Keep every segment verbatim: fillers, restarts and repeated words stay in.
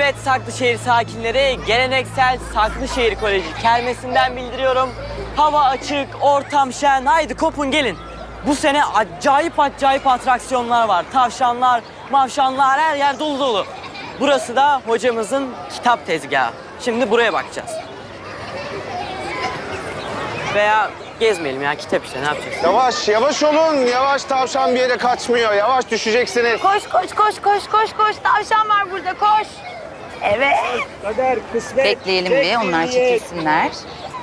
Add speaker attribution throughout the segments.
Speaker 1: Evet Saklışehir sakinleri, geleneksel Saklışehir Koleji kermesinden bildiriyorum. Hava açık, ortam şen, haydi kopun gelin. Bu sene acayip acayip atraksiyonlar var. Tavşanlar, mavşanlar, her yer dolu dolu. Burası da hocamızın kitap tezgahı. Şimdi buraya bakacağız. Veya gezmeyelim ya, kitap işte, ne yapacağız?
Speaker 2: Yavaş, yavaş olun. Yavaş, tavşan bir yere kaçmıyor. Yavaş, düşeceksiniz.
Speaker 3: Koş koş koş koş koş koş. Tavşan var burada, koş. Evet.
Speaker 4: Kader, kısmet.
Speaker 5: Bekleyelim bir, onlar çekilsinler.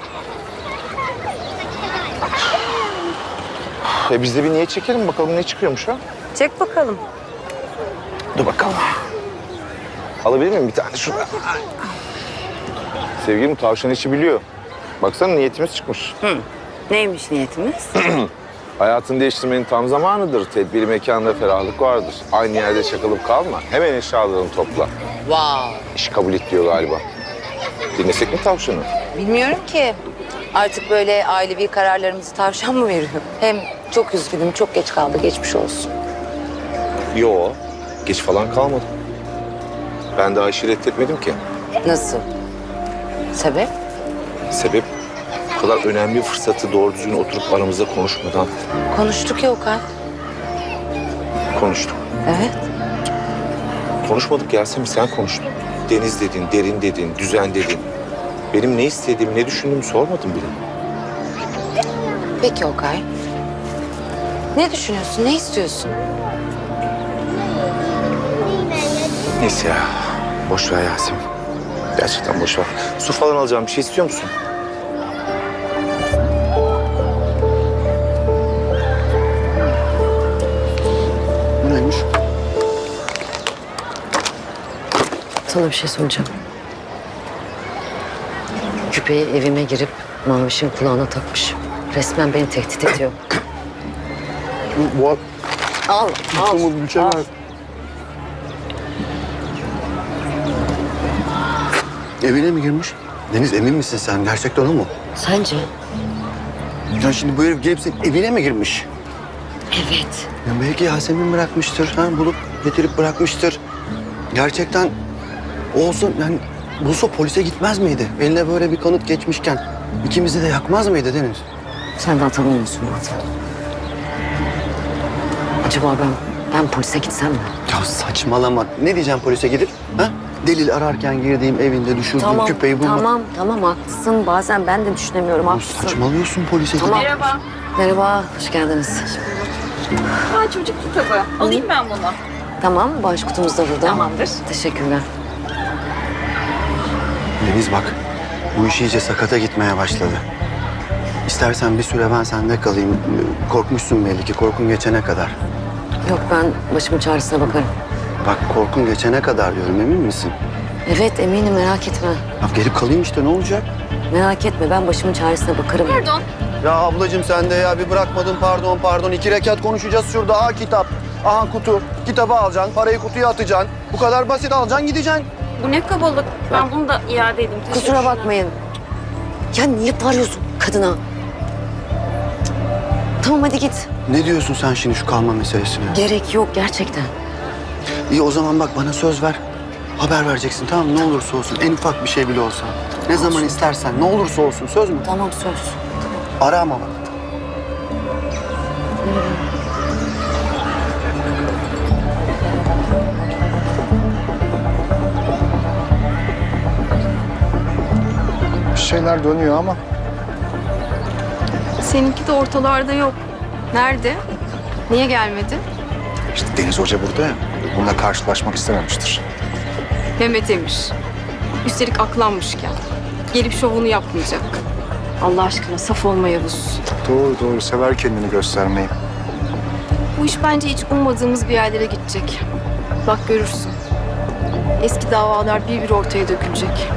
Speaker 2: E biz de bir niye çekelim bakalım ne çıkıyormuş ha?
Speaker 3: Çek bakalım.
Speaker 2: Dur bakalım. Alabilir miyim bir tane şurada? Sevgilim tavşan işi biliyor. Baksana niyetimiz çıkmış.
Speaker 3: Neymiş niyetimiz?
Speaker 2: Hayatını değiştirmenin tam zamanıdır. Tedbiri mekanda ferahlık vardır. Aynı yerde çakılıp kalma. Hemen eşyalarını topla.
Speaker 5: Wow.
Speaker 2: İş kabul et diyor galiba. Dinlesek mi tavşanı?
Speaker 5: Bilmiyorum ki. Artık böyle ailevi kararlarımızı tavşan mı veriyor? Hem çok üzgünüm, çok geç kaldı. Geçmiş olsun.
Speaker 2: Yo, geç falan kalmadım. Ben daha işi reddetmedim ki.
Speaker 5: Nasıl? Sebep?
Speaker 2: Sebep bu kadar önemli bir fırsatı doğru düzgün oturup aramızda konuşmadan
Speaker 5: Konuştuk ya Okan.
Speaker 2: konuştuk.
Speaker 5: Evet.
Speaker 2: Konuşmadık Yasemin, sen konuştun. Deniz dedin, derin dedin, düzen dedin. Benim ne istediğimi, ne düşündüğümü sormadın bile.
Speaker 5: Peki Okay. Ne düşünüyorsun, ne istiyorsun?
Speaker 2: Neyse ya, boş ver Yasemin. Gerçekten boş ver. Su falan alacağım, bir şey istiyor musun?
Speaker 6: Bu neymiş?
Speaker 7: Sana bir şey söyleyeceğim. Küpeyi evime girip Maviş'in kulağına takmış. Resmen beni tehdit ediyor.
Speaker 6: Bu, bu
Speaker 7: Al, al.
Speaker 6: bu bir şey var. Evine mi girmiş? Deniz emin misin sen? Gerçekten o mu?
Speaker 7: Sence?
Speaker 6: Ya şimdi bu herif gelip senin evine mi girmiş?
Speaker 7: Evet.
Speaker 6: Ya belki Yasemin bırakmıştır, ha? Bulup getirip bırakmıştır. Gerçekten o olsa yani bulsa polise gitmez miydi? Eline böyle bir kanıt geçmişken ikimizi de yakmaz mıydı Deniz?
Speaker 7: Sen daha tanımıyorsun zaten. Acaba ben, ben polise gitsem mi?
Speaker 6: Ya saçmalama. Ne diyeceğim polise gidip? Ha? Delil ararken girdiğim evinde düşürdüğüm küpeyi bulmak.
Speaker 7: tamam, tamam haklısın. Bazen ben de düşünemiyorum,
Speaker 6: Ya
Speaker 7: haklısın.
Speaker 6: saçmalıyorsun polise
Speaker 7: Tamam.
Speaker 6: gidip.
Speaker 3: Merhaba.
Speaker 7: Merhaba, hoş geldiniz.
Speaker 3: Ha, çocuk kitabı. Alayım ben bunu.
Speaker 7: Tamam, bağış kutumuz da burada.
Speaker 3: Tamamdır.
Speaker 7: Teşekkürler.
Speaker 6: Deniz bak, bu iş iyice sakata gitmeye başladı. İstersen bir süre ben sende kalayım. Korkmuşsun belli ki, korkun geçene kadar.
Speaker 7: Yok, ben başımın çaresine bakarım.
Speaker 6: Bak korkun geçene kadar diyorum, emin misin?
Speaker 7: Evet, eminim, merak etme.
Speaker 6: Ya gelip kalayım işte, ne olacak?
Speaker 7: Merak etme, ben başımın çaresine bakarım.
Speaker 3: Pardon.
Speaker 6: Ya ablacığım sen de ya bir bırakmadın, pardon pardon. İki rekat konuşacağız şurada. Aha kitap, aha kutu. Kitabı alacaksın, parayı kutuya atacaksın. Bu kadar basit, alacaksın gideceksin.
Speaker 3: Bu ne kabalık. Ben bunu da iade edeyim.
Speaker 7: Kusura bakmayın. Ya niye bağırıyorsun kadına? Tamam hadi git.
Speaker 6: Ne diyorsun sen şimdi şu kalma meselesine?
Speaker 7: Gerek yok gerçekten.
Speaker 6: İyi o zaman bak bana söz ver. Haber vereceksin tamam mı? Ne olursa olsun, en ufak bir şey bile olsa. Ne zaman istersen, ne olursa olsun, söz mü?
Speaker 7: Tamam söz.
Speaker 6: Ara ama bak.
Speaker 4: Bir şeyler dönüyor ama.
Speaker 8: Seninki de ortalarda yok. Nerede? Niye gelmedi?
Speaker 4: İşte Deniz Hoca burada ya. Bununla karşılaşmak istememiştir.
Speaker 8: Mehmet Emir. Üstelik aklanmışken. Gelip şovunu yapmayacak. Allah aşkına saf olma Yavuz.
Speaker 4: Doğru doğru. Sever kendini göstermeyi.
Speaker 8: Bu iş bence hiç ummadığımız bir yerlere gidecek. Bak görürsün. Eski davalar bir bir ortaya dökülecek.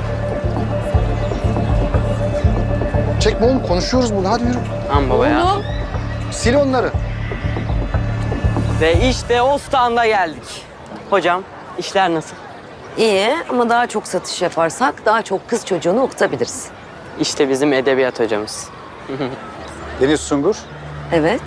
Speaker 4: Çekme oğlum. Konuşuyoruz burada. Hadi yürü.
Speaker 1: Tamam baba ya.
Speaker 8: Oğlum.
Speaker 4: Sil onları.
Speaker 1: Ve işte o standa geldik. Hocam, işler nasıl?
Speaker 7: İyi ama daha çok satış yaparsak daha çok kız çocuğunu okutabiliriz.
Speaker 1: İşte bizim edebiyat hocamız.
Speaker 4: Deniz Sungur.
Speaker 7: Evet.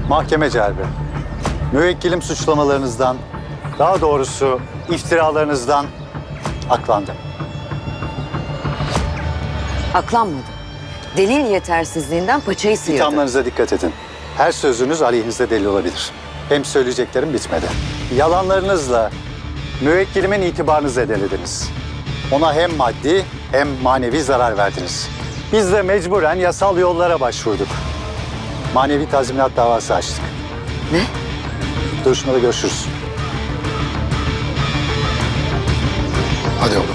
Speaker 4: Mahkeme celbi. Müvekkilim suçlamalarınızdan, daha doğrusu iftiralarınızdan aklandı.
Speaker 7: Aklanmadı. Delil yetersizliğinden paçayı sıyırdı.
Speaker 4: İthamlarınıza dikkat edin. Her sözünüz aleyhinizde delil olabilir. Hem söyleyeceklerim bitmedi. Yalanlarınızla müvekkilimin itibarını zedelediniz. Ona hem maddi hem manevi zarar verdiniz. Biz de mecburen yasal yollara başvurduk. Manevi tazminat davası açtık.
Speaker 7: Ne?
Speaker 4: Duruşmada görüşürüz.
Speaker 6: Hadi oğlum.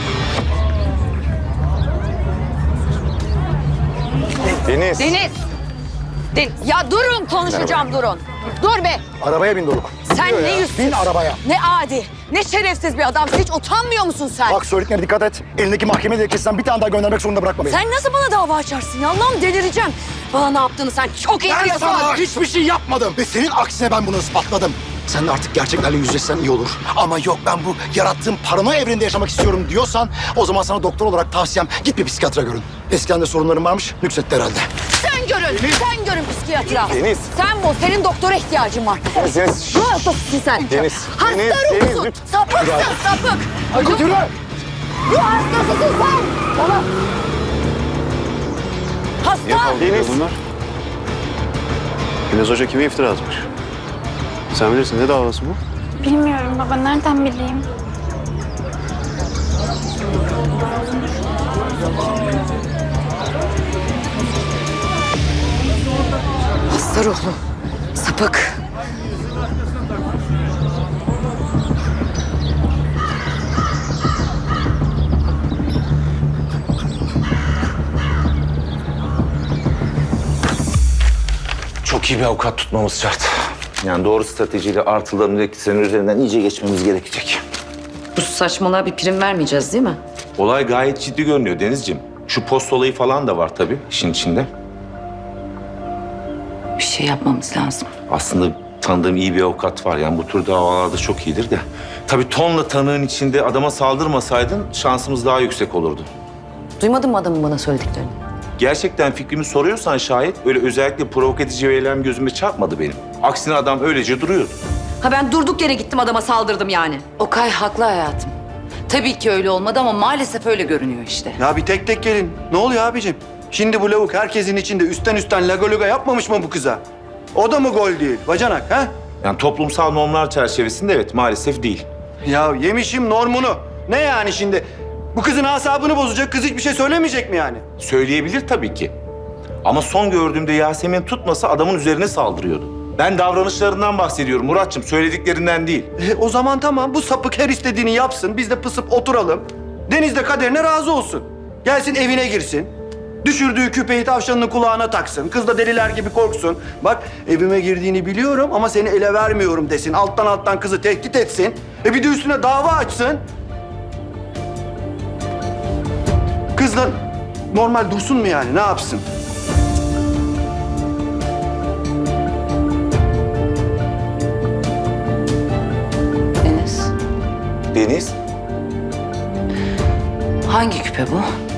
Speaker 2: Deniz.
Speaker 3: Deniz. Deniz. Ya durun konuşacağım durun. Dur be.
Speaker 6: Arabaya bin Doruk.
Speaker 3: Sen ne yüzsüz.
Speaker 6: Bin arabaya.
Speaker 3: Ne adi. Ne şerefsiz bir adamsın. Hiç utanmıyor musun sen?
Speaker 6: Bak söylediklerine dikkat et. Elindeki mahkeme dilekçesinden bir tane daha göndermek zorunda bırakma beni.
Speaker 3: Sen nasıl bana dava açarsın ya? Allah'ım delireceğim. Bana ne yaptığını sen çok iyi
Speaker 9: Ben
Speaker 3: biliyorsun.
Speaker 9: sana hiçbir şey yapmadım ve senin aksine ben bunu ispatladım. Sen de artık gerçeklerle yüzleşsen iyi olur. Ama yok ben bu yarattığım paranoya evrende yaşamak istiyorum diyorsan o zaman sana doktor olarak tavsiyem git bir psikiyatra görün. Eskiden de sorunların varmış, nüksetti herhalde.
Speaker 3: Sen görün. Sen görün psikiyatra.
Speaker 2: Deniz.
Speaker 3: Sen bu. Senin doktora ihtiyacın var.
Speaker 2: Deniz, Deniz.
Speaker 3: Ruh hastasısın sen.
Speaker 2: Deniz,
Speaker 3: Hasta
Speaker 2: Deniz,
Speaker 3: ruhsun.
Speaker 2: Deniz,
Speaker 3: Sapıksın sapık.
Speaker 9: Aykut yürü!
Speaker 3: Ruh hastasısın sen. Tamam. Hasta.
Speaker 2: Deniz.
Speaker 10: Güneş Hoca kime iftira atmış? Sen bilirsin, ne davası bu?
Speaker 8: Bilmiyorum baba, nereden bileyim?
Speaker 7: Hasta ruhlu. Sapık.
Speaker 2: Çok iyi bir avukat tutmamız şart. Yani doğru stratejiyle artıların eksilerin üzerinden iyice geçmemiz gerekecek.
Speaker 7: Bu saçmalığa bir prim vermeyeceğiz değil mi?
Speaker 2: Olay gayet ciddi görünüyor Denizciğim. Şu post olayı falan da var tabii işin içinde.
Speaker 5: Bir şey yapmamız lazım.
Speaker 2: Aslında tanıdığım iyi bir avukat var. Yani bu tür davalarda çok iyidir de. Tabii tonla tanığın içinde adama saldırmasaydın şansımız daha yüksek olurdu.
Speaker 7: Duymadın mı adamın bana söylediklerini?
Speaker 2: Gerçekten fikrimi soruyorsan şayet öyle özellikle provokatif bir eylem gözüme çarpmadı benim. Aksine adam öylece duruyordu.
Speaker 5: Ha ben durduk yere gittim adama saldırdım yani. Okay haklı hayatım. Tabii ki öyle olmadı ama maalesef öyle görünüyor işte.
Speaker 6: Ya bir tek tek gelin. Ne oluyor abicim? Şimdi bu lavuk herkesin içinde üstten üstten laga luga yapmamış mı bu kıza? O da mı gol değil bacanak ha?
Speaker 2: Yani toplumsal normlar çerçevesinde evet maalesef değil.
Speaker 6: Ya yemişim normunu. Ne yani şimdi? Bu kızın asabını bozacak, kız hiçbir şey söylemeyecek mi yani?
Speaker 2: Söyleyebilir tabii ki. Ama son gördüğümde Yasemin tutmasa adamın üzerine saldırıyordu. Ben davranışlarından bahsediyorum Muratçım, söylediklerinden değil.
Speaker 6: E, o zaman tamam, bu sapık her istediğini yapsın, biz de pısıp oturalım. Deniz de kaderine razı olsun. Gelsin evine girsin. Düşürdüğü küpeyi tavşanının kulağına taksın. Kız da deliler gibi korksun. Bak evime girdiğini biliyorum ama seni ele vermiyorum desin. Alttan alttan kızı tehdit etsin. E bir de üstüne dava açsın. Kızla normal dursun mu yani? Ne yapsın?
Speaker 5: Deniz,
Speaker 2: Deniz,
Speaker 5: hangi küpe bu?